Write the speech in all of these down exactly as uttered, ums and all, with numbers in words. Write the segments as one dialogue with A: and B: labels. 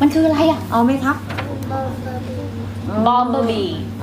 A: มันคืออะไรอ่ะ
B: เอาไหมครับ
A: บอมเบอร์บี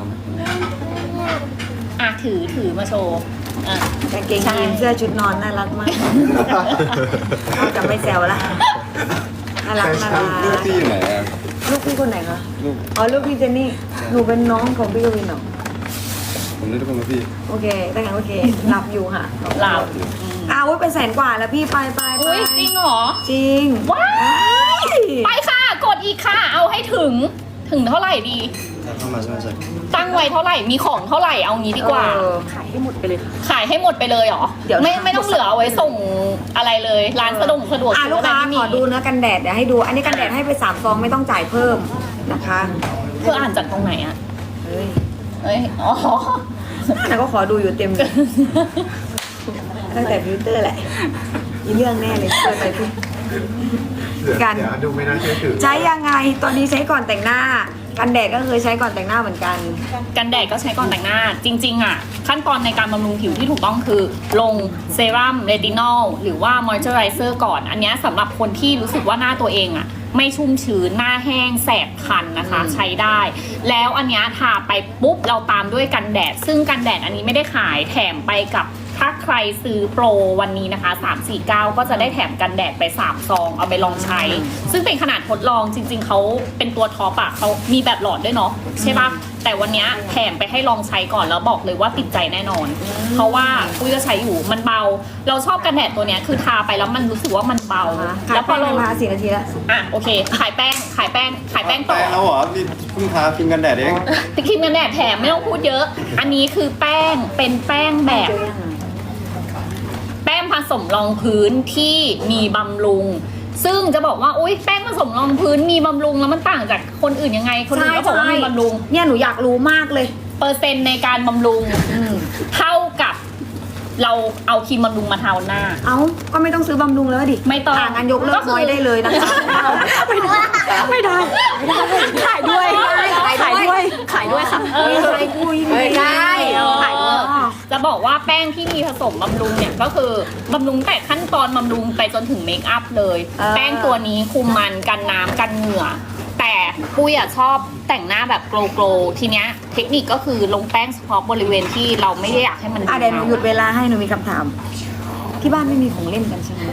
A: อ่ะถือถือมาโชว์อ่ะ
B: กางเกงยีนเสื้อชุดนอนน่ารักมากเขาจะไม่แซวละน่ารักน่ารัก
C: ลูกพี่อยู่ไหนอะ
B: ลูกพี่คนไหนคะ
C: ลูก
B: อ๋อลูกพี่เจนนี่หนูเป็นน้องของพี่กวินเหรอ
C: ผมนึกว่าพี่
B: โอเคได้ไงโอเคหลับอยู่ค่ะ
A: หลับ
B: อ้าวอุ๊ยเป็นแสนกว่าแล้วพี่ไปไปไป
A: อุ้ยจริงเหรอ
B: จริง
A: ว้ายไปค่ะ กดอีกค่ะ เอาให้ถึงถึงเท่าไหร่ดี
C: ถ้าเข้ามาใช่ไหมใช่
A: ตั้งไว้เท่าไหร่มีของเท่าไหร่เอางี้ดีกว่า
B: เออ
A: ขายให้หมดไปเลยขายให้หมดไปเลยเหรอ
B: เดี๋ยว
A: ไม่ไม่ต้องเหลือเอาไว้ส่งอะไรเลยร้านสะดวกสะดวก
B: อ่ะ
A: ซื้
B: ลูก
A: อะไร
B: ค้า
A: ไม่มี
B: ขอดูเนื้อกันแดดเดี๋ยวให้ดู อันนี้กันแดดให้ไปสามซองไม่ต้องจ่ายเพิ่มนะคะ
A: เธออ่านจากตรงไหนอ่ะ
B: เฮ้ย
A: เอ้ยอ๋อ
B: แต่ก็ขอดูอยู่เต็มตั้งแต่ฟิลเตอร์แหละมีเรื่องแน่เลยเปิดไปพี่กัน
C: เดี๋ยวดูไม่น่าเชื่อถือ
B: ใช้ยังไงตอนนี้ใช้ก่อนแต่งหน้า กันแดดก็เคยใช้ก่อนแต่งหน้าเหมือนกัน
A: กันแดดก็ใช้ก่อนแต่งหน้า จริงๆอ่ะขั้นตอนในการบำรุงผิวที่ถูกต้องคือ ลงเซรั่มเรตินอลหรือว่ามอยเจอไรเซอร์ก่อน อันเนี้ยสำหรับคนที่รู้สึกว่าหน้าตัวเองอ่ะไม่ชุ่มชื้นหน้าแห้งแสบคันนะคะ ใช้ได้ แล้วอันเนี้ยทาไปปุ๊บเราตามด้วยกันแดด ซึ่งกันแดดอันนี้ไม่ได้ขายแถมไปกับถ้าใครซื้อโปรวันนี้นะคะสามสี่เก้าก็จะได้แถมกันแดดไปสามซองเอาไปลองใช้ ซึ่งเป็นขนาดทดลองจริง ๆเขาเป็นตัวท็อปอะเขามีแบบหลอดด้วยเนาะใช่ปะแต่วันเนี้ยแถมไปให้ลองใช้ก่อนแล้วบอกเลยว่าติดใจแน่นอน เพราะว่าปุ้ยก็ใช้อยู่มันเบา เราชอบกันแดดตัวเนี้ยคือทาไปแล้วมันรู้สึกว่ามันเบา
B: ขาย
A: แล้วพ
B: แป้
A: อง เรา
B: มาสี่นาทีแล้ว
A: อ่ะโอเค ขายแป้งขายแป้งขายแป้งต่อ
C: แป้งแล้วเหรอนี่เพิ่งทาครีมกันแดดเอง
A: ติครีมกันแดดแถมไม่ต้องพูดเยอะ อันนี้คือแป้งเป็นแป้งแบบ แป้งผสมรองพื้นที่มีบำรุง ซึ่งจะบอกว่าอุ้ยแป้งผสมรองพื้นมีบำรุงแล้วมันต่างจากคนอื่นยังไง คนอื่นก็บอกว่ามีบำรุง
B: เนี่ยหนูอยากรู้มากเลย
A: เปอร์เซ็นต์ในการบำรุง
B: อืม
A: เท่ากับเราเอาครีมบำรุงมาทาหน้า
B: เอ้าก็ไม่ต้องซื้อบำรุงแล้วดิ
A: ไม่ต้อง
B: ะงั้นยกเลิ
A: ก็
B: ก
A: คือ
B: น้อยได้เลยนะคะไม่ได้ไม่ได้ไม่ได้ขายด้วยขายด้วยขายด้วยค่ะ
A: เออ
B: ขายด้วยไม่ได้
A: เออ
B: ขายด้วย
A: จะบอกว่าแป้งที่มีผสมบำรุงเนี่ยก็คือบำรุงแต่ขั้นตอนบำรุงไปจนถึงเมคอัพเลย
B: เออ
A: แป้งตัวนี้คุมมันกันน้ำกันเหงื่อ แต่ปุ้ยอะชอบแต่งหน้าแบบโกลโกลทีเนี้ยเทคนิคก็คือลงแป้งเฉพาะบริเวณที่เราไม่ได้อยากให้มัน
B: อ่ะเดี๋ยวหนูหยุดเวลาให้หนูมีคำถาม ที่บ้านไม่มีของเล่นกันใช่ไหม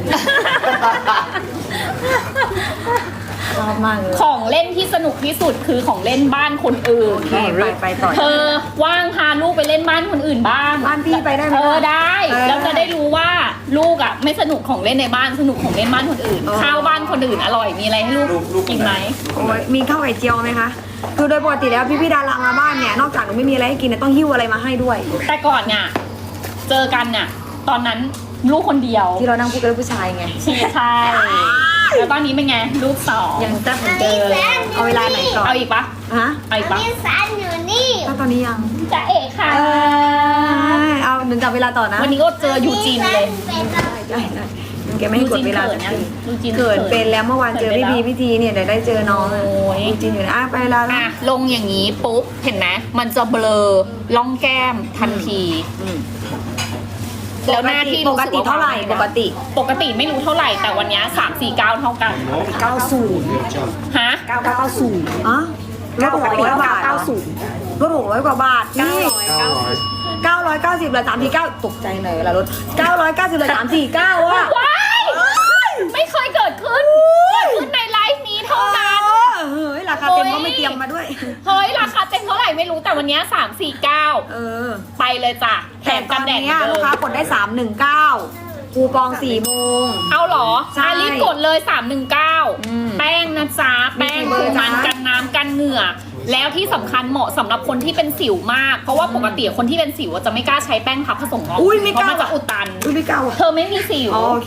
B: ชอบมากเลย
A: ของเล่นที่สนุกที่สุดคือของเล่นบ้านคนอื่น
B: โอเคไปไปต่อ
A: เธอว่างพาลูกไปเล่นบ้านคนอื่นบ้าง
B: บ้านพี่ไปได้ไหม
A: เออได้
B: เออ
A: แล้วจะได้รู้ว่าลูกอ่ะไม่สนุกของเล่นในบ้านสนุกของเล่นบ้านคนอื่น
B: เออ
A: ข้าวบ้านคนอื่นอร่อยมีอะไรให้ลูก
C: ลูกลูก
A: กินไหม
B: โอ้ยมีข้าวไข่เจียวไหมคะคือโดยปกติแล้วพี่พี่ๆดารามาบ้านเนี่ยนอกจากหนูไม่มีอะไรให้กินเนี่ยต้องหิ้วอะไรมาให้ด้วย
A: แต่ก่อนเนี่ยเจอกันเนี่ยตอนนั้นลูกคนเดียว
B: ที่เรานั่งพูดกันเรื่องผู้ชายไง
A: ใช่ใช่แล้วตอนนี้เป็นไงลูกสอง
B: ยังแซ่บเหมือนเดิมเอาเวลาไหนก่อน
A: เอาอีกปะ
B: ฮะ
A: เอาอีกปะ
D: นี่สันอยู่นี่
B: ถ้าตอนนี้ยัง
A: จะเอกค่ะ
B: เออเอาหนึ่งจับเวลาต่อนะ
A: วันนี้ก็เจอยูจีนเลย
D: เป็นอะไร
B: ได้ได้แกไม่ให้กดเวลา
A: ยู
B: สัก
A: จีน
B: ที
A: ยูจีน
B: เกิดเป็นแล้วเมื่อวานเจอพี่พีพี่ทีเนี่ยเดี๋ยวได้เจอน้องอะ
A: โอ้ย
B: จริงๆอยู่นะอ่ะไปเวลาแล้ว
A: อ่ะลงอย่างนี้ปุ๊บเห็นไหมมันจะเบลอล่องแก้มทันที
B: อืม
A: แล้วหน้าที่
B: ป
A: รู้
B: ก
A: สึ
B: ติ
A: ว่
B: เท่าไหร่
A: วง
B: ปกติ
A: ปกติไม่รู้เท่าไหร่แต่วันเนี้สามสี่เก้าเท่ากัน
B: เก้าศูนย์
A: ฮะ
B: เก้าเก้าศูนย์อ๋อลดหกร้อยบาทเก้าศูนย์ลดหกร้อยกว่าบาทนี่เก้าร้อยเก้าสิบเหลือสามสี่เก้าตกใจหน่อยเวลารถเก้าร้อยเก้าสิบเหลือสามสี่เก้าว่ะ
A: ว้ายไม่เคยเกิดขึ้นเกิดขึ้นในไลฟ์นี้เท่านั้น
B: เฮ้ยราคาเต็มก็ไม่เตรียมมาด้วย
A: เฮ้ยราคาเต็มเท่าไหร่ไม่รู้แต่วันเนี้สามสี่เก้า
B: เออ
A: ไปเลยจ้ะแถ
B: แต่
A: ม
B: ต
A: กั
B: อน น
A: แดดเหมื
B: เนี้
A: อย น
B: ลู
A: เดิ
B: ก
A: ม
B: ค้ากดได้สามหนึ่งเก้าคูปองสี่โมง
A: เอาเหรอ
B: ใช่
A: อ่ะรีบกดเลยสามหนึ่งเก้า
B: อืม
A: แป้งนะจ๊ะแป้ง
B: มีกี่เบอ
A: คุ
B: ร์
A: มมัน
B: จ๊ะ
A: กันน้ำกันเหงื่อ แล้วที่สำคัญเหมาะสำหรับคนที่เป็นสิวมาก เพราะว่าปกติคนที่เป็นสิวจะไม่กล้าใช้แป้งพับผสมรอง
B: อุ้ยไม่
A: เพ
B: กล้า
A: ราะมันจะอุดตัน
B: อุ้ยไม่กล้าว่ะ
A: เธอไม่มีสิว
B: อ๋อโอเค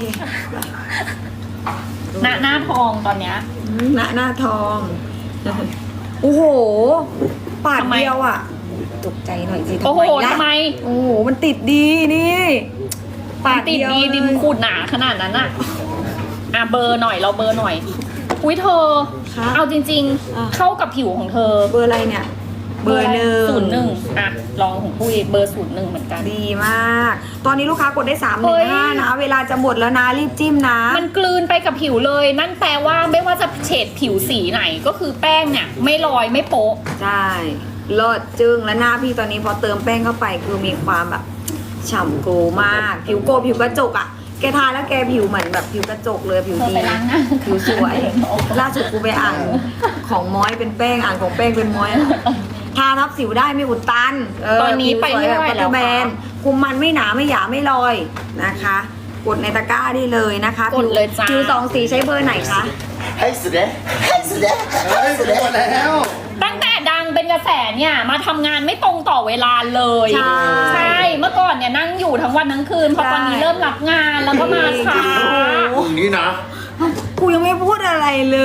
A: หน้าหน้าทองตอนเนี้ย
B: หน้าหน้าทอง โอ้โห ปาด
A: ทำไม
B: เดียวอ่ะ ตกใจหน่อยสิ
A: โอ้โห
B: ล่ะ
A: ทำไม
B: โอ้โห มันติดดีนี่ ปาด
A: ติด
B: เยว
A: ดีดิน
B: เลย
A: ขูดหนาขนาดนั้นอะอ่ะเบอร์หน่อยเราเบอร์หน่อย อุ้ยเธอ
B: คะ
A: เอาจริง
B: อ่ะ
A: ๆ เข้ากับผิวของเธอ
B: เบอร์อะไรเนี่ย เบอร์หนึ่ง
A: ศูนย์หนึ่งอ่ะลองของปุ้ยเบอร์ศูนย์หนึ่งเหมือนกัน
B: ดีมาก ตอนนี้ลูกค้ากดได้สามห
A: เฮ้
B: นึ่ง
A: ย
B: ห้านะ เวลาจะหมดแล้วนะ รีบจิ้มนะ
A: มันกลืนไปกับผิวเลย นั่นแปลว่าไม่ว่าจะเฉดผิวสีไหนก็คือแป้งเนี่ยไม่ลอยไม่โป๊ะ
B: ใช่เลิศจึงและหน้าพี่ตอนนี้พอเติมแป้งเข้าไปคือมีความแบบฉ่ำโกลมาก ผิวโกลผิวกระจกอ่ะแกทาแล้วแกผิวเหมือนแบบผิวกระจกเลยผิว
A: เธอ
B: ดี
A: ไปล้างหน้า
B: ผิวสวยล่าสุดกูไปอ่านของม้อยเป็นแป้งอ่านของแป้งเป็นม้อยทาทับสิวได้ไม่อุดตันเ
A: ตอนนี้ไปไม่ไหว
B: ผิสยบบ
A: แล้ว
B: แบ
A: ค่ะ
B: นคุมมันไม่หนาไม่หยาไม่ลอยนะคะกดในตะกร้าได้เลยนะคะ
A: กดเลยจ้า
B: ผิวสองสีใช้เบอร์ไหนคะ
D: ให้สุดเลยให้สุดเลย
C: เฮ้ยสุดแล้ว
A: ตั้งแต่ดังเป็นกระแสเนี่ยมาทำงานไม่ตรงต่อเวลาเลย
B: ใช่
A: ใช่เมื่อก่อนเนี่ยนั่งอยู่ทั้งวันทั้งคืนพอตอนนี้เริ่มรับงานแล้วก็มาช้า
D: มึงนี่นะ
B: กูยังไม่พูดอะไรเลย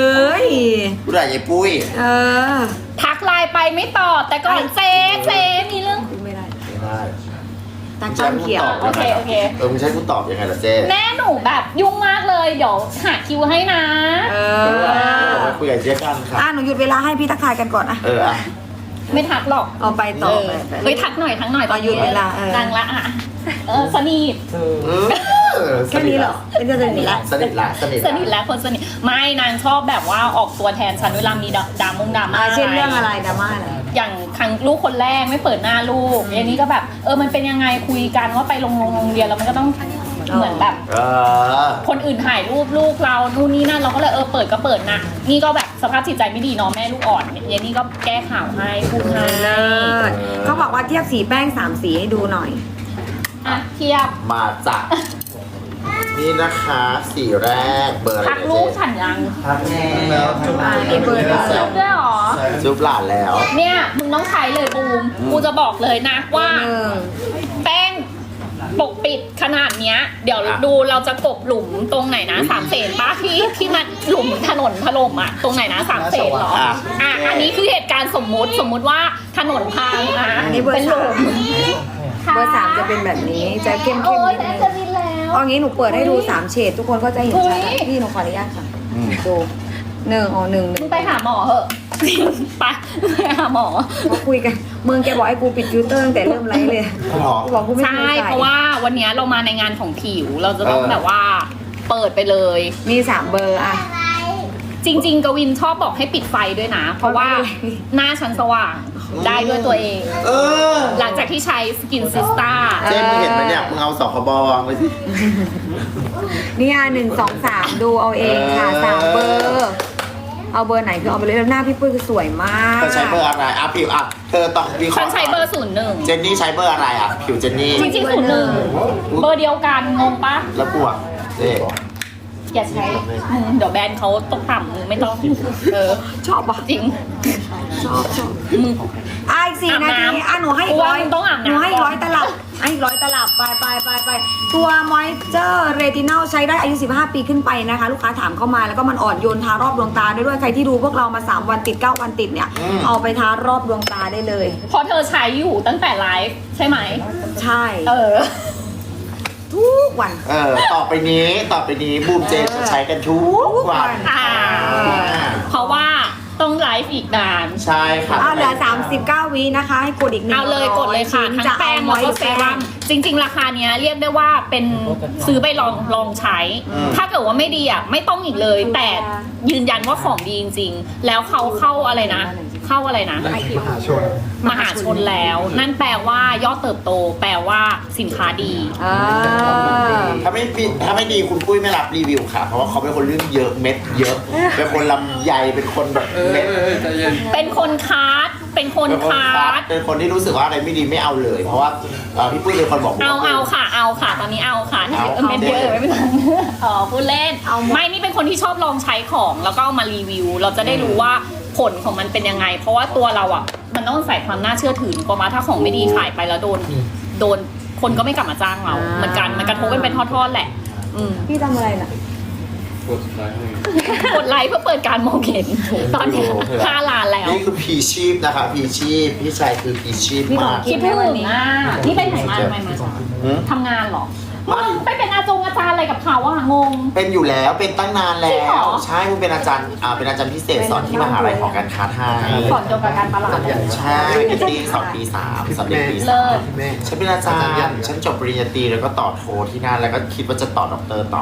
D: กูด่ายายปุ้ย
B: เออ
A: ทักไลน์ไปไม่ตอบแต่ก่อนเจ๊เจ๊มีเรื่อง
B: พูดไม่ได้
D: ไม่ได้
B: ตาจ้อนเขียว
A: โอเคโอเค
D: เออมึงใช้กูตอบยังไงล่ะเจ๊
A: แม่หนูแบบยุ่งมากเลยเดี๋ยวหาคิวให้นะ
B: เอ
D: เอ
B: อ
D: อคุยกับเจ๊กันค่ะ
B: อ่ะหนูหยุดเวลาให้พี่ทักทายกันก่อนอ่ะ
D: เอออ่ะ
A: ไม่ทักหรอก
B: เอาไปต่อไปไป
A: เฮ้ยทักหน่อยทักหน่อย
B: ตอนหยุดเวลาเออ
A: ดังละอ่ะเออสนิท
D: เออ
B: แค่นี้เหรอเป็นจะสนิทละ
D: สนิทละสนิท
A: สนิทแล้วคนสนิทไม่นางชอบแบบว่าออกตัวแทนฉันเวลามีดดามงดราม่า
B: อ่ะเช่นเรื่องอะไรดราม่าอะไร
A: อย่างครั้งลูกคนแรกไม่เปิดหน้าลูกอย่างนี้ก็แบบเออมันเป็นยังไงคุยกันว่าไปโรงโรงเรียนแล้วมันก็ต้องเหมือนแบบ
D: เออ
A: คนอื่นถ่ายรูปลูกเรานู่นนี่นั่นเราก็เลยเออเปิดก็เปิดนะนี่ก็แบบสภาพจิตใจไม่ดีเนาะแม่ลูกอ่อนเนี่ยนี่ก็แก้ข่าวให้พูดให้
B: เลิศเขาบอกว่าเทียบสีแป้งสามสีให้ดูหน่อย
A: อ่ะเทียบ
D: มาจากนี่นะคะสีแรกเบอร์อะไร
A: ทักลูกฉันยัง
D: ทักแล้ว
B: อ่านี่เบอร์หนึ่ง
A: จุ๊บด้วยเหรอ
D: จุ๊บหลานแล้ว
A: เนี่ยมึงต้องใช้เลยบูมกูจะบอกเลยนะว่า
B: หนึ่ง
A: แป้งปกปิดขนาดเนี้ย เดี๋ยว
D: อ่ะ
A: ดูเราจะกบหลุมตรงไหนนะสามเสนป้าที่ที่มันหลุมถนนถล่มอ่ะตรงไหนนะสามเสนเหรออ่ะอันนี้คือเหตุการณ์สมมุติสมมุติว่าถนนพังอ่ะ
B: อันนี้เบอ
A: เป็น
B: ร์
A: หลุ
B: สาม
A: ม
B: เบอร์สามจะเป็นแบบนี้จะเข้มๆ
A: โอ้ย
B: นิด
A: แต่
B: นึง
A: จะบินแล้ว
B: เอางี้หนูเปิดให้ดูสามเฉดทุกคนก็จะเห็นชัด
A: เฮ้ย
B: พี่หนูขออนุญาตค่ะดูหนึ่งอ๋อหนึ่งห
A: มึ
B: นึ่
A: ง
B: ง
A: ไปหาหมอเหอะ ไปไปหาหมอ
B: เขาคุยกันมึงแกบอกให้กูปิดฟิลเตอร์ตั้งแต่เริ่มไลฟ์เลย
D: หรอ
B: กูบอกกูไม่
A: ใช่
B: เคยใส่
A: เพราะว่าวันเนี้ยเรามาในงานของผิวเราจะต้อง
D: เออ
A: แบบว่าเปิดไปเลย
B: มีสามเบอร์อ่ะ
A: จริง ๆ กวินชอบบอกให้ปิดไฟด้วยนะ เพราะว่า
B: เพราะว่า
A: หน้าฉันสว่างได้ด้วยตัวเอง
D: เออ
A: หลังจากที่ใช้สกินซิสตา
D: เจ๊มึงเห็นไหมเนี่ยมึงเอาสองขบวางไว้สิ
B: เนี่ยหนึ่งสองสามดูเอาเองค่ะ
D: เออ
B: สามเบอร์ เอาเบอร์ไหนคือเอาไปเลยแล้วหน้าพี่ปุ้ยคือสวยมาก
D: เธอใช้เบอร์อะไรอ่ะผิวอ่ะเธอต้องมี
A: ฉันใช้เบอร์ศูนย์หนึ่ง
D: เจนนี่ใช้เบอร์อะไรอ่ะผิวเจนนี่
A: จริงๆศูนย์หนึ่งเบอร์เดียวกันงงปะ
D: แล้วปวกเจ๊
A: อย่าใช้มึงเดี๋ยวแบรนด์เขาตกต่ำมึงไม่ต้องเออ
B: ชอบปะ
A: จริง
B: ชอบชอบ
A: มึง
B: อ่ะอีกสี่
A: อาบ
B: นา
A: น้ำ
B: ทีอ่ะหนูให้อีกร้อย
A: กูว่ามึงต้องอาบ
B: ห
A: น้ำ
B: นูให้อีกร้อยตลับให้อีกร้อยตลับไปไปไปไปตัวมอยเจอร์เรตินอลใช้ได้อายุสิบห้าปีขึ้นไปนะคะ ลูกค้าถามเข้ามาแล้วก็มันอ่อนโยนทารอบดวงตาได้ด้วยใครที่ดูพวกเรามาสามวันติดเก้าวันติดเนี่ย เอาไปทารอบดวงตาได้เลย
A: เพราะเธอใช้อยู่ตั้งแต่ไลฟ์ใช่ไหม
B: ใช่
A: เออ
B: ทุกวัน
D: เออต่อไปนี้ต่อไปนี้บูมเจนจะใช้กันทุกวัน
A: อ่า เพราะว่าต้องไลฟ์อีกนาน
D: ใช่ค่ะ
B: อ่าเหลือสามสิบเก้าวินะคะ ให้กดอีกหนึ่ง
A: เอาเลยกดเลยค่ะ ทั้ง
B: จะ
A: แป้
B: เอา
A: ง
B: ม
A: แล้
B: อ
A: วย ก็
B: หรือ
A: เซ
B: แป้
A: รั่
B: ง
A: มจริง ๆ ราคาเนี้ยเรียกได้ว่าเป็นซื้อไปลองลองใช้ ถ้าเกิดว่าไม่ดีอ่ะไม่ต้องอีกเลย แต่ยืนยันว่าของดีจริงๆ แล้วเขาเข้าอะไรนะ เข้าอะไรนะ
C: มหาชน
A: มหาชนแล้ว นั่นแปลว่ายอดเติบโต แปลว่าสินค้าดี
B: อ่า
D: ถ้าไม่ปิดถ้าไม่ดีคุณปุ้ยไม่รับรีวิวค่ะ เพราะว่าเขาเป็นคนเรื่องเยอะเม็ดเยอะ เป็นคนลำใหญ่เป็นคนแบบเม็ด
C: ใจเย็น
A: เป็นคนคาร์ดเป็นคน
D: เป็นคน
A: คา
D: คั
A: ร์
D: ด
A: ด
D: เป็นคนที่รู้สึกว่าอะไรไม่ดีไม่เอาเลย เพราะว่าเอ่อพี่ปุ้ยเป็นคนบอก
A: เอาเอาค่ะเอาค่ะ ตอนนี้เอาค่ะ
D: เอา
A: เม็ดเยอะไม่เป็นไรอ๋อพูดเล่น
B: เอาหมด
A: ไม่นี่เป็นคนที่ชอบลองใช้ของแล้วก็เอามารีวิว เราจะได้รู้ว่าผลของมันเป็นยังไง เพราะว่าตัวเราอ่ะ มันต้องใส่ความน่าเชื่อถือกว่ามาถ้าของไม่ดีขายไปแล้วโดนโดนคนก็ไม่กลับมาจ้างเรา เหมือนกันมันกระทบกันเป็นทอดๆแหละ อืม
B: พี่ทำอะไรน่ะ
C: กดไลค์ให้
A: กดไลค์เพื่อเปิดการมองเห็นตอนนี้ห้าล้านแล้ว
D: นี่คือพีชีพนะคะพีชีพพี่ชายคือพีชีพมาก
A: คิดถึงอ่ะนี่ไปไหนมาทำไมมา
D: หืม
A: ทำงานเหรอมึงไปเป็นอาจงอาจารย์อะไรกับเขาอ่ะงง
D: เป็นอยู่แล้วเป็นตั้งนาน
A: จริ
D: แล้
A: งเหร
D: ว
A: อ
D: ใช่คุณเป็นอาจารย์อ่าเป็นอาจารย์พิเศษสอนที่มหาลัยของการค้าไทย
A: สอนเกี่ยวกับการตลาดเลย
D: ใช่ปีสองปีสามสำเร็จปี
A: เลิ
D: สาม
A: ศ
C: แม่
D: ฉันเป็นอาจารย์ฉันจบปริญญาตรีแล้วก็ต่อโทที่นั่นแล้วก็คิดว่าจะต่อด็อกเตอร์ต่อ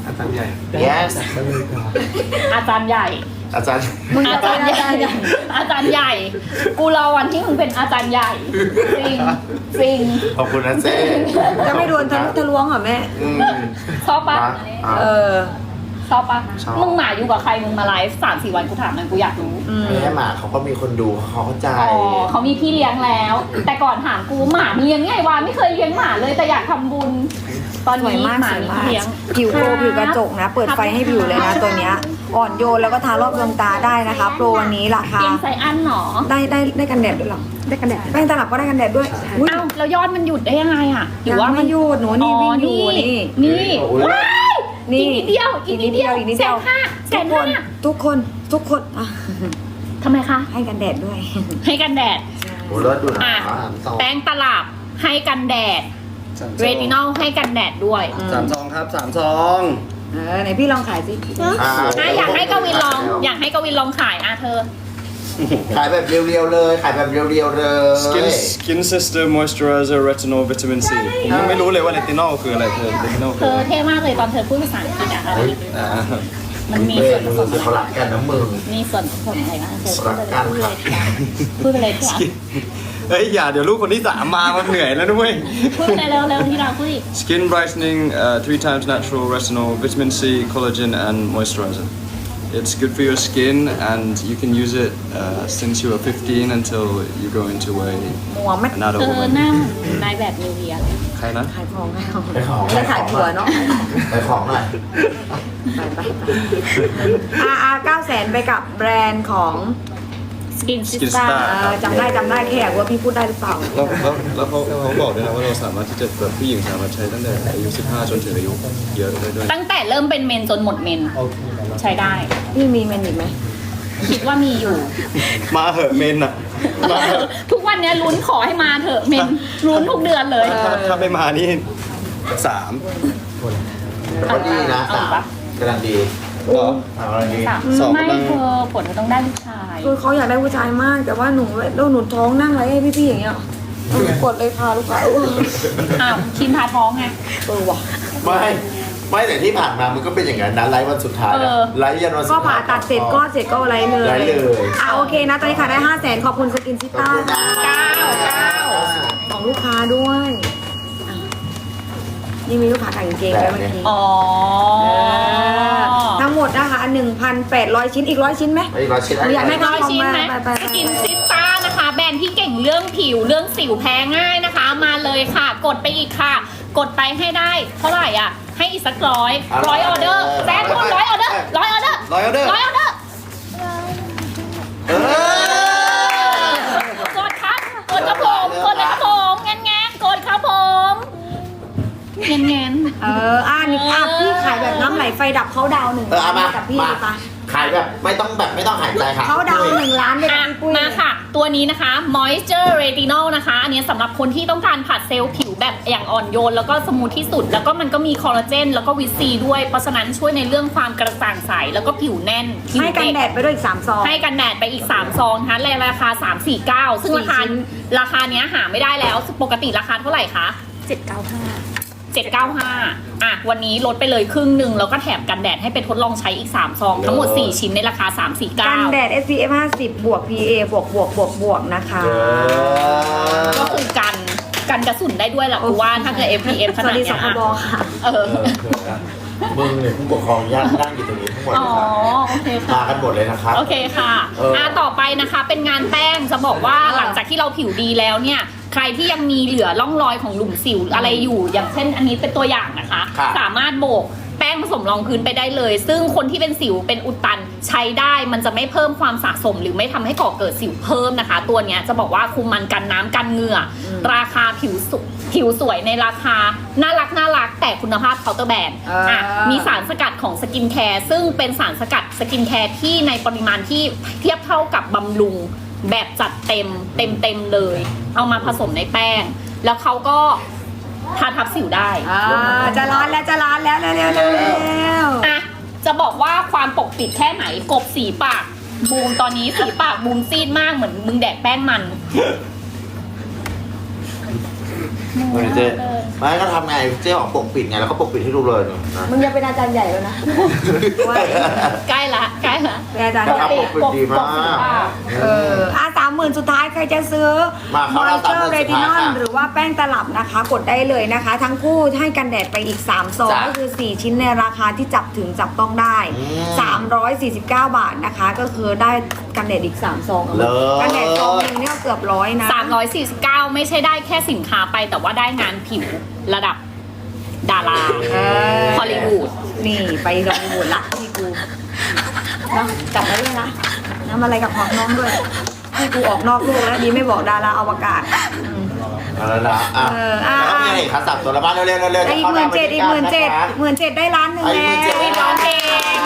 C: อาจารย์ใหญ่
D: yes
A: อาจารย์ใหญ่
D: อาจารย์
B: มึง
A: อา
B: จะ
A: จารย์
B: เป็น
A: ให
B: อา
A: ญ่
B: จารย์ใหญ่
A: อาจารย์ใหญ่ กูรอวันที่มึงเป็นอาจารย์ใหญ่ จริง จริง
D: ขอบคุณนะเจ๊
B: จะไม่โดนทะลุทะลวงเหรอแม่
D: อืม
A: ชอบปะ
D: มาอ่ะ
B: เออ
A: ชอบปะ
D: ชอบ
A: มึงหมาอยู่กับใคร มึงมาไลฟ์สามสี่วันกูถามหน่อยกูอยากรู้
B: อืม
D: แม่หมาเขาก็มีคนดูเขาเข้าใจ
A: อ๋อเขามีพี่เลี้ยงแล้ว แต่ก่อนถามกูหมามีเลี้ยงไงวะไม่เคยเลี้ยงหมาเลยแต่อยากทำบุญ ตอน
B: สวย
A: นี้
B: มาก
A: หมา
B: สวย
A: มี
B: มาก
A: พี่เลี้ยง
B: ผิวโปรผิวกระจกนะ เปิดไฟให้ผิวเลยนะตัวเนี้ย อ่อนโยนแล้วก็ทารอบดวงตาได้นะคะ โปรวันนี้ราคา
A: เลี้ยงไซอันหนอ
B: ได้ได้ได้กันแดดด้วยเหรอ ได้กันแดดแป้งตลับก็ได้กันแดดด้วยอุ๊ย
A: เอ้าแล้วยอดมันหยุดได้ยังไงอ่ะหรือ
B: ยัง
A: ว่า
B: ไม่หยุดหนูนี่วิ่งอยู่นี่
A: นี่ว้าย
B: นี่
A: อีกนิดเดียวอีกนิดเดียว
B: อีกนิดเดียว
A: แสนห้าแส
B: ทุก
A: น
B: ค
A: ห้าน
B: ทุกคนทุกคนอ่ะ
A: ทำไมคะ
B: ให้กันแดดด้วย
A: ให้กันแดด
D: โอ้เลิศดูนะ
A: อ่ะ
D: สอง
A: แป้งตลับให้กันแดด เรตินอลให้กันแดดด้วย
C: สามซองครับสามซอง
B: เออไหนพี่ลองขายสิ
D: อ่ะ
A: อ่ะอยากให้กวินลอง อยากให้กวินลองขายอ่ะเธอ
D: ขายแบบเรียวๆเลย ขายแบบเรียวๆเลย
C: Skin Skin Sister Moisturizer Retinol Vitamin C ผมยังไม่รู้เลยว่าเรตินอลคืออะไรเธอเรตินอล
A: เธ
C: คือ
A: อ
C: อะไร
A: เท่มากเลยตอนเธอพูดภาษาอังกฤษอะอะไร
C: อ่า
A: มันมี
D: เว้
A: ส่
D: ย
A: วนผ
D: มือ
A: สม
D: เขารักกันนะมึง
A: มีส่วนผสมอะไรบ้างเธอ
D: รักกันครับ
A: พูดไปเลยค่ะ
C: เฮ้ยอย่าเดี๋ยวลูกคนที่สามมามันเหนื่อยแล้วด้วย
A: พูดไปเลยเร็วๆที่เราพูดดิ
C: Skin brightening, uh, three times natural retinol, vitamin C, collagen, and moisturizer. It's good for your skin, and you can use it uh, since you are fifteen until you go into a
B: มัวไหม
C: an
A: เธ
C: adult
A: อ
C: woman.
A: หน้าเหมือนนายแบบนิวเยียร์เลย
C: ใครนะ
B: ขายของให้เอา
D: ไปของ
B: ไม่ขายผัวเนาะ
D: ไปของหน่อย
B: ไปไปไปอาอาเก้าแสนไปกับแบรนด์ของ
A: สกินซิ
C: Skin
A: สตา
C: Star
B: เออจำได้จำได้แค่อยากรู้ว่าพี่พูดได้หรือเปล่า
C: แล้วแล้วแล้วเขาเขาบอกด้วยนะว่าเราสามารถที่จะแบบผู้หญิงสามารถใช้ตั้งแต่อายุสิบห้าจนถึงอายุเยอะได้ด้วย
A: ตั้งแต่เริ่มเป็นเมนจนหมดเมน ใช้ได้
B: พี่มีเมนอีกไหม
A: คิดว่ามีอยู่
C: มาเหอะเมนอะมาเหอะ
A: ทุกวันเนี้ยลุ้นขอให้มาเถอะเมนลุ้นทุกเดือนเลย
C: ถ้าถ้าไม่มานี่สาม
D: แต่ก็ดีนะ
A: เอา
D: สาม
A: ปะ
D: กำลังดี
C: เหรอ
D: สามกำลังดี
A: สาม
C: สอง
A: ไม่
C: กำลัง
A: เธอผลเธอต้องได้ลูกชาย
B: คือเขาอยากได้ผู้ชายมาก แต่ว่าหนูแล้วหนูท้องนั่งไรให้พี่ๆอย่างเงี้ยเอาหนูกดเลยค่ะลูกค้าเออ
A: อ้าวคิมพาท้องไง
B: เออว่ะ
D: ไม่ไม่แต่ที่ผ่านมามันก็เป็นอย่างนั้นนะไลฟ์วันสุดท้าย
A: เอ
D: นะ
A: อ
D: ไลฟ์ยันวันสุด
B: ก็
D: ท้าย
B: ผ่าตัดเสร็จก็เสร็จก็อะไรเลย
D: ไลฟ์เลย
B: อ่ะโอเคนะ ตอนนี้ขายได้ห้าแสนขอบคุณสกินซิต้า
A: เก้าเก้า
B: ของลูกค้าด้วยอ่ะนี่มีลูกค้าขายกางเกงด้วยเมื่อกี้
A: อ๋อ
B: เออทั้งหมดนะคะหนึ่งพันแปดร้อยชิ้นอีกร้อยชิ้นไหม
D: ไอ้ร้อยชิ้น
B: หนูอยากได้
A: ร้อยชิ้นไหม
B: ไปไปไป
A: สกินซิสตานะคะ แบรนด์ที่เก่งเรื่องผิวเรื่องสิวแพ้ง่ายนะคะ มาเลยค่ะ กดไปอีกค่ะ กดไปให้ได้ เท่าไหร่อ่ะ ให้อีกสักร้อยร้อยออเดอร์แซนพูดร้อยออเดอร์ร้อยออเดอร์
C: ร้อยออเดอร์
A: ร้อยออเดอร์
D: เออก
A: ดครับ กดครับผมกดเลยครับผมแงนแงนกดครับผมแงนแงน
B: เอออ่านี่อ่ะพี่ขายแบบน้ำไหลไฟดับเขาดาวหนึ่ง
D: เออเอามา
B: กับพี่
D: มา
B: เลยปะ
D: ขายแบบไม่ต้องแบบไม่ต้องหายใจค่ะ
B: เขาดาวหนึ่งล้านเลย
A: อ่ะ
B: นะพี่ปุ้ย
A: มาค่ะ ตัวนี้นะคะ Moisture Retinol นะคะ อันนี้สำหรับคนที่ต้องการผัดเซลล์ผิวแบบอย่างอ่อนโยน แล้วก็สมูทที่สุด แล้วก็มันก็มีคอลลาเจน แล้วก็วิตซีด้วย เพราะฉะนั้นช่วยในเรื่องความกระจ่างใส แล้วก็ผิวแน่นผิว
B: ให้กัน
A: เด็ก
B: แดดไปด้วยอีกสามซอง
A: ให้กันแดดไปอีก สาม ซองนะคะในราคา สามสี่เก้า ซึ่งราคา
B: สี่ชิ้น
A: ราคาเนี้ยหาไม่ได้แล้ว ปกติราคาเท่าไหร่คะ
E: เจ็ดเก้าห้า
A: เจ็ดเก้าห้า อ่ะ วันนี้ลดไปเลยครึ่งหนึ่งแล้วก็แถมกันแดดให้ไปทดลองใช้อีก สาม ซอง ทั้งหมด สี่ ชิ้นในราคา สามสี่เก้า
B: กันแดด เอส พี เอฟ ห้าสิบ บวก พี เอ บวกบวกบวกบวกนะคะ
D: เออ
A: ก็คือกันกันกระสุนได้ด้วยแหละกูว่าถ้าเกิด เอฟ พี เอฟ ข
B: ส
A: นา
B: วั
A: ด
B: สดี
A: เนี้
B: ส
A: ย
B: คบ
A: อ่ะ
B: ค่ะ
A: เออ
D: เออเขินอะมึงเนี่ยผู้ปกครองญาตินั่งอยู่ตรงนี้ทั้งหมด
A: อ๋
D: เล
A: อ
D: ยครับ
A: โอเค
D: มา
A: ค่ะ
D: กันหมดเลยนะครับ
A: โอเคค่ะ
D: เอออ่
A: อ่ะต่อไปนะคะเป็นงานแป้งจะบอกว่าหลังจากที่เราผิวดีแล้วเนี่ย ใครที่ยังมีเหลือร่องรอยของหลุมสิวอะไรอยู่ อย่างเช่นอันนี้เป็นตัวอย่างนะคะ
D: ครับ
A: สามารถโบกแป้งผสมรองพื้นไปได้เลย ซึ่งคนที่เป็นสิวเป็นอุดตันใช้ได้มันจะไม่เพิ่มความสะสม หรือไม่ทำให้ก่อเกิดสิวเพิ่มนะคะ ตัวเนี้ยจะบอกว่าคุมมันกันน้ำกันเหงื่ออราคาผิวสุผิวสวยในราคาน่ารักน่ารักแต่คุณภาพเคาน์เตอร์แบรนด์
B: เอออ่
A: อ่ะมีสารสกัดของสกินแคร์ซึ่งเป็นสารสกัดสกินแคร์ที่ในปริมาณที่เทียบเท่ากับบำรุงแบบจัดเต็มเต็มเต็มๆเลย เอามาผสมในแป้ง แล้วเขาก็ทาทับสิวได้
B: อ่าจะร้านแล้วจะร้านแล้วเร็วเร็วเร็วเร็ว
A: อ่ะจะบอกว่าความปกปิดแค่ไหนกบสีปากบูมตอนนี้สีปากบูมซีดมากเหมือนมึงแดกแป้งมัน
D: เฮ้ยเจ๊ไม่ก็ทำไงเจ๊ของปกปิดไงแล้วก็ปกปิดให้ดูเลยนะ
B: มึงจะเป็นอาจารย์ใหญ่แล้วนะว่า
A: ใกล้ละใกล้ละ
B: เป็นอาจารย์
D: แต่
B: ใหญ่
D: ทำปกปิดดีมาก
B: เอออ่ะสามหมื่นสุดท้ายใครจะซื้อ
D: มาเข้าแล้ว
B: Moisture
D: สามหมื่นสุดท้าย
B: Retinol
D: ค่ะ
B: หรือว่าแป้งตลับนะคะ กดได้เลยนะคะ ทั้งคู่ให้กันแดดไปอีกสามซอง
D: จ้ะ
B: ก็คือสี่ชิ้นในราคาที่จับถึงจับต้องได้
D: อืม
B: สามร้อยสี่สิบเก้าบาทนะคะ ก็คือได้กันแดดอีกสามซอง
D: เลิศ
B: กันแดดซองหนึงเนี่ยเกือบร้อยนะ
A: สามร้อยสี่สิบเก้าไม่ใช่ได้แค่สินค้าไปแต่ว่าได้งานผิวระดับดารา
B: เออ
A: ฮอลลีวูด
B: นี่ไปฮอลลีวูดละที่กูเนาะจับไว้ด้วยนะน้ำอะไรกับของน้องด้วยให้กูออกนอกโลกแล้วดีไม่บอกดาราอวกาศอืม
D: เอาแล้วนะอ่ะ
B: เอออ่ะ
D: แล้วก็มีอะไรอีกครับสามตัวละบ้านเร็วๆเร็วๆเร็วๆ
B: อีกหมื่นเจ็ดอีกหมื่นเจ็ดหมื่นเจ็ดได้ล้านหนึ่ง
D: อีก
B: แล้
D: หมื่นเจ็ด
B: ว
D: ได้ร้องเพลง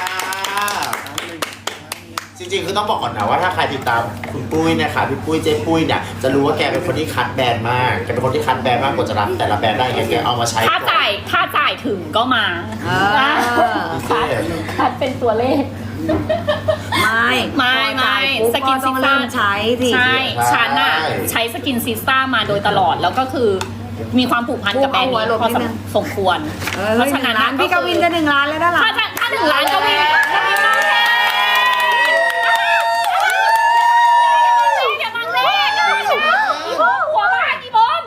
D: จริงๆคือต้องบอกก่อนนะว่าถ้าใครติดตามคุณปุ้ยเนะคะพี่ปุ้ยเจ๊ปุ้ยเนี่ยจะรู้ว่าแกเป็นคนที่คัดแบรนด์มากแกเป็นคนที่คัดแบรนด์มากกว่าจะรับแต่ละแบรนด์ได้แกแกเอามาใช้
A: ถ้า
D: ก่อน
A: จ่ายถ้าจ่ายถึงก็มา
B: เออ
A: คัดคัดเป็นตัวเลข
B: ไม่
A: ไม่ไม่
B: พอ
A: ส
B: จ่าย
A: กิ
B: ปุ๊
A: น
B: บก็ต้อง
A: ซิสต้า
B: เริ่มใช้สิ
A: ใช่ฉันอะใช้สกินซิสต้ามาโดยตลอดแล้วก็คือมีความผูกพันกับแบรนด์นี้พอสมควร
B: เออ
A: เพราะฉะนั้น
B: ร้านพี่กวินจะหนึ่งล้านแล้วด้านหลัง
A: ถ้าจะถ้าถึงร้านกวินกวินร้องเพลงอย่าบังเลขอีโบหัวบ้านอีโบม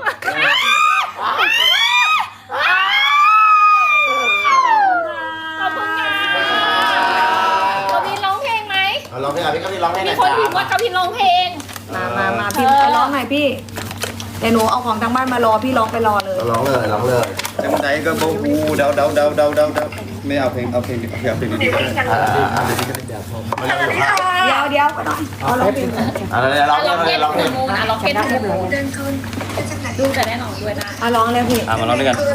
A: ขอบคุณค่ะกวินร้องเพลงไหม
D: เอาร้องเพลงอ่ะพี่ก็พี่ร้องเพลงห
A: มี
D: น่อย
A: คน
D: จ้า
A: พิมพ์ว่ากวินร้องเพลง
B: มามามาพี่
A: เออ
B: ไปร้องหน่อยพี่เดี๋ยวหนูเอาของทางบ้านมารอพี่ร้องไปรอเลย
D: ร้องเลยร้องเลย
C: จังไหนก็บอกอูเดาเดาเดาเดาเดาเดาไม่เอาเพลงเอาเพลงเอาเพลงเอาเพลงดีๆก็ได้
D: อ่าอ่าเดี๋ยวพี่ก็เล่นยาพอมาเร็วๆค่ะ
B: เดี๋ยวเดี๋ยวก็ได้เอาร้องเพลง
D: อ่าเดี๋ยวร้องเพล
A: ล็อง ก
D: เล
A: เก็
D: ย
A: ต
D: ร้องเพล
A: ทู
D: ง
A: มูนอะล็อกเก็ตทูมูนดูจะได้หนองด้วยนะ
B: เอาร้องเลยพี่
C: อ่ะมาร้องด้วยกัน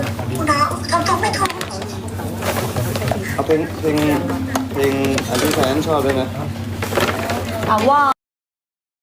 C: เอาเพลงเพลงเพลงอันที่แฟนชอบด้วยนะ
B: เอาว่า